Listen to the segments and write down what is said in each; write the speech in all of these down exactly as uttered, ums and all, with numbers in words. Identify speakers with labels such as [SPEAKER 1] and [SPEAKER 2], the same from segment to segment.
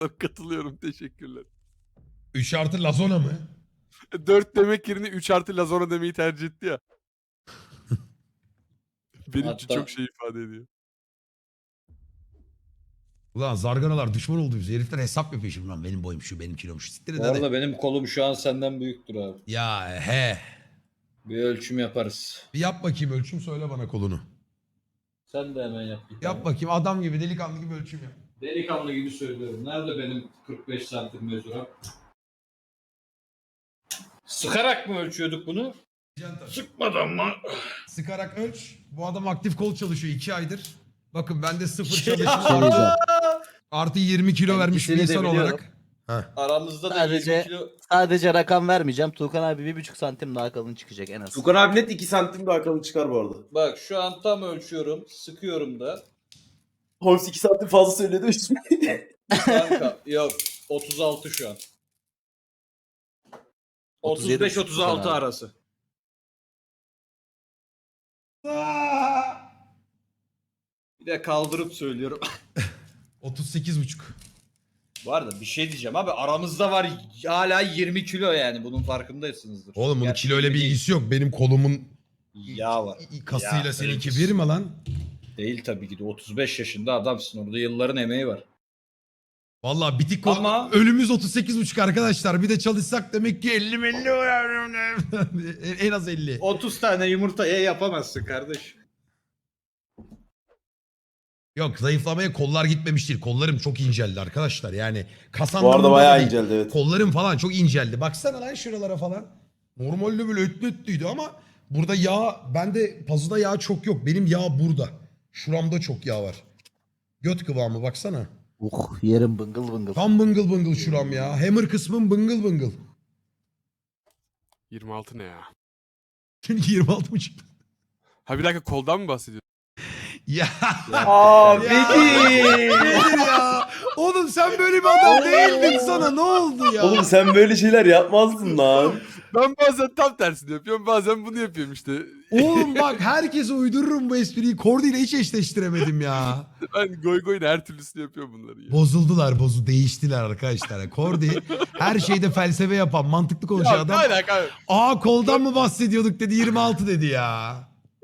[SPEAKER 1] Katılıyorum, teşekkürler.
[SPEAKER 2] üç artı Lazona mı?
[SPEAKER 1] dört demek yerine üç artı Lazona demeyi tercih etti ya. Benim için
[SPEAKER 3] Hatta-
[SPEAKER 1] çok şey ifade ediyor.
[SPEAKER 2] Ulan zarganalar düşman oldu bize. Herifler hesap yapıyor şimdi lan. Benim boyum şu, benim kilom şu. Siktir et
[SPEAKER 3] Bu
[SPEAKER 2] hadi.
[SPEAKER 3] arada benim kolum şu an senden büyüktür abi.
[SPEAKER 2] Ya he.
[SPEAKER 3] Bir ölçüm yaparız.
[SPEAKER 2] Bir yap bakayım ölçüm, söyle bana kolunu.
[SPEAKER 3] Sen de hemen yap. bir tane.
[SPEAKER 2] Yap bakayım adam gibi, delikanlı gibi ölçüm yap.
[SPEAKER 3] Delikanlı gibi söylüyorum. Nerede benim kırk beş santim mezuram? Sıkarak mı ölçüyorduk bunu? Sıkmadan mı?
[SPEAKER 2] Sıkarak ölç. Bu adam aktif kol çalışıyor iki aydır. Bakın ben de sıfır
[SPEAKER 3] Şey
[SPEAKER 2] çalışma
[SPEAKER 4] Şey diyeceğim.
[SPEAKER 2] artı yirmi kilo
[SPEAKER 4] Ben
[SPEAKER 2] vermiş bir
[SPEAKER 4] ikisini de
[SPEAKER 2] insan
[SPEAKER 4] biliyorum.
[SPEAKER 2] olarak. Heh.
[SPEAKER 3] Aramızda da
[SPEAKER 4] Sadece-
[SPEAKER 3] yirmi kilo...
[SPEAKER 4] Sadece rakam vermeyeceğim. Tuğkan abi bir buçuk santim daha kalın çıkacak en az.
[SPEAKER 5] Tukan abi net iki santim daha kalın çıkar bu arada.
[SPEAKER 3] Bak şu an tam ölçüyorum. Sıkıyorum da.
[SPEAKER 5] Holmes iki santim fazla söyledi.
[SPEAKER 3] Kanka yok. otuz altı şu an.
[SPEAKER 4] otuz yedi
[SPEAKER 3] otuz beş otuz altı
[SPEAKER 4] abi.
[SPEAKER 3] arası. Bir de kaldırıp söylüyorum.
[SPEAKER 2] otuz sekiz buçuk.
[SPEAKER 3] Bu arada bir şey diyeceğim abi, aramızda var hala yirmi kilo, yani bunun farkındaysınızdır.
[SPEAKER 2] Oğlum bunun
[SPEAKER 3] Gerçi
[SPEAKER 2] kiloyla bir
[SPEAKER 3] yirmi değil,
[SPEAKER 2] ilgisi yok. Benim kolumun
[SPEAKER 3] yağ var.
[SPEAKER 2] kasıyla
[SPEAKER 3] Ya,
[SPEAKER 2] seninki
[SPEAKER 3] öyle
[SPEAKER 2] bir mi lan?
[SPEAKER 3] Değil tabii ki de, otuz beş yaşında adamsın, orada yılların emeği var.
[SPEAKER 2] Vallahi bitik kol.
[SPEAKER 3] Ama-
[SPEAKER 2] Ölümümüz otuz sekiz buçuk arkadaşlar. Bir de çalışsak demek ki elli elli en az elli.
[SPEAKER 3] otuz tane yumurtaya yapamazsın kardeş.
[SPEAKER 2] Yok, zayıflamaya kollar gitmemiş değil. Kollarım çok inceldi arkadaşlar. Yani kas
[SPEAKER 5] Bu arada
[SPEAKER 2] anlamında
[SPEAKER 5] bayağı
[SPEAKER 2] değil.
[SPEAKER 5] inceldi evet.
[SPEAKER 2] Kollarım falan çok inceldi. Baksana lan şuralara falan. Normalde böyle ötlü ötlüydü ama burada yağ, bende pazuda yağ çok yok. Benim yağ burada. Şuramda çok yağ var. Göt kıvamı baksana.
[SPEAKER 4] Uh yerim bıngıl bıngıl.
[SPEAKER 2] Tam bıngıl bıngıl şuram ya. Hammer kısmım bıngıl bıngıl.
[SPEAKER 1] yirmi altı ne ya?
[SPEAKER 2] Çünkü yirmi altı mı çıktı?
[SPEAKER 1] Ha bir dakika, koldan mı bahsediyorsun?
[SPEAKER 2] Ya.
[SPEAKER 5] Aa
[SPEAKER 2] Ya.
[SPEAKER 5] peki.
[SPEAKER 2] Nedir ya? Oğlum sen böyle bir adam değildin, sana ne oldu ya?
[SPEAKER 5] Oğlum sen böyle şeyler yapmazdın lan.
[SPEAKER 1] Ben bazen tam tersini yapıyorum, bazen bunu yapıyorum işte.
[SPEAKER 2] Oğlum bak herkese uydururum bu espriyi. Kordi ile hiç eşleştiremedim ya.
[SPEAKER 1] Ben goy goyun her türlüsünü yapıyorum bunları ya.
[SPEAKER 2] Bozuldular, bozu değiştiler arkadaşlar. Kordi her şeyde felsefe yapan, mantıklı konuşan
[SPEAKER 1] Ya ne
[SPEAKER 2] adam.
[SPEAKER 1] alaka abi?
[SPEAKER 2] Aa koldan mı bahsediyorduk dedi, yirmi altı dedi ya.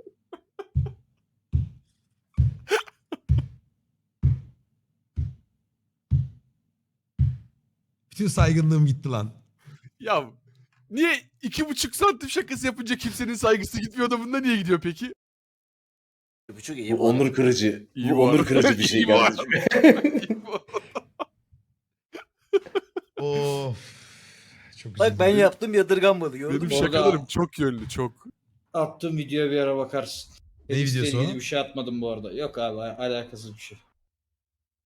[SPEAKER 2] Bütün saygınlığım gitti lan.
[SPEAKER 1] Ya niye iki buçuk santim şakası yapınca kimsenin saygısı gitmiyor da bunda niye gidiyor peki?
[SPEAKER 4] Bir buçuk iyi.
[SPEAKER 5] Bu onur kırıcı.
[SPEAKER 1] İyi
[SPEAKER 5] Bu
[SPEAKER 1] bu
[SPEAKER 5] onur
[SPEAKER 1] arada.
[SPEAKER 5] kırıcı bir şey
[SPEAKER 1] İyi bu arada.
[SPEAKER 5] kardeşim.
[SPEAKER 2] Of. Çok
[SPEAKER 4] Bak ben
[SPEAKER 2] üzüldüm.
[SPEAKER 4] yaptım yadırganmadı gördün
[SPEAKER 1] Benim
[SPEAKER 4] mü?
[SPEAKER 3] Orada-
[SPEAKER 1] şakalarım çok yönlü, çok.
[SPEAKER 3] Attığım videoya bir ara bakarsın.
[SPEAKER 2] Ne
[SPEAKER 3] Tennisle
[SPEAKER 2] videosu
[SPEAKER 3] ilgili
[SPEAKER 2] o?
[SPEAKER 3] bir şey atmadım bu arada. Yok abi, alakasız bir şey.